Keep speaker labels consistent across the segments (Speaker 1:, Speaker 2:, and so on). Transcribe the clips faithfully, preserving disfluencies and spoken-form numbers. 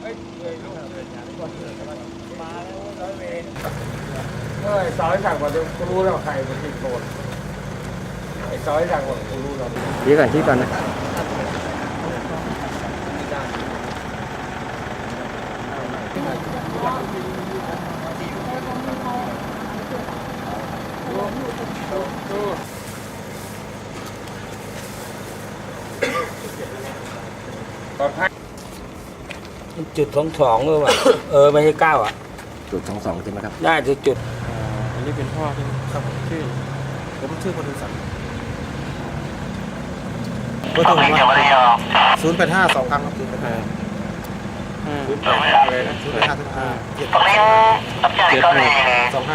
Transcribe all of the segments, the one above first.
Speaker 1: มาแล้วร้อยเวรเฮ้ยซอยสั่งว่ากูรู้แล้วใครเป็นที่โกนไอ้ซอยสั่งว่ากูรู้แล้ว
Speaker 2: ชี้ก่อนชี้ก่อนนะ
Speaker 1: จุดสองสองเลยว่ะ เออไม่ใช่เก้าอ่ะ
Speaker 2: จุดสองสองใช่ไหมครับ
Speaker 1: ได้จุดจุด
Speaker 3: อันนี้เป็นพ่อที่ครับผมชื่อผมชื่อคนดูสันเบอร์โทรผมว่าศูนย์แปดห้าสองครั้งครับศูนย์แปดห้าศูนย์แปดห้าเลยนะศูนย์แปดห้าศูนย์ห้าเจ็ดเจ็ดหนึ่งสองห้า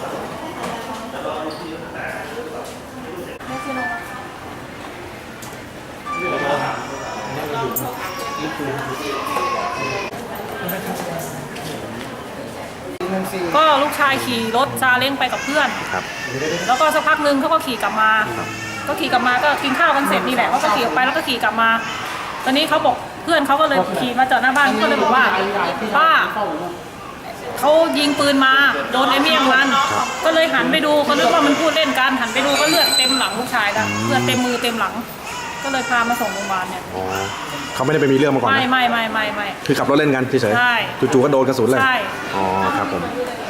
Speaker 4: ก็ลูกชายขี่รถซาเล้งไปกับเพื่อนครับแล้วก็สักพักนึงเขาก็ขี่กลับมาก็ขี่กลับมาก็กินข้าวกันเสร็จนี่แหละเขาก็ขี่ออกไปแล้วก็ขี่กลับมาตอนนี้เขาบอกเพื่อนเขาก็เลยขี่มาจอดหน้าบ้านก็เลยบอกว่าป้าเขายิงปืนมาโดนไอ้เมี่ยงมันก็เลยหันไปดูก็นึกว่ามันพูดเล่นกันหันไปดูก็เลือดเต็มหลังลูกชายแล้วเลือดเต็มมือเต็มหลังก็เลยพามาส่งโรงพยาบาลเนี่ย
Speaker 2: เขาไม่ได้ไปมีเรื่องมาก่อน
Speaker 4: ไม่ไม่ไม่ไม่ไม่
Speaker 2: คือขับรถเล่นกันเฉยๆ
Speaker 4: ใช่
Speaker 2: จู่ๆก็โดนกระสุนเลย
Speaker 4: ใช่
Speaker 2: อ๋อครับผม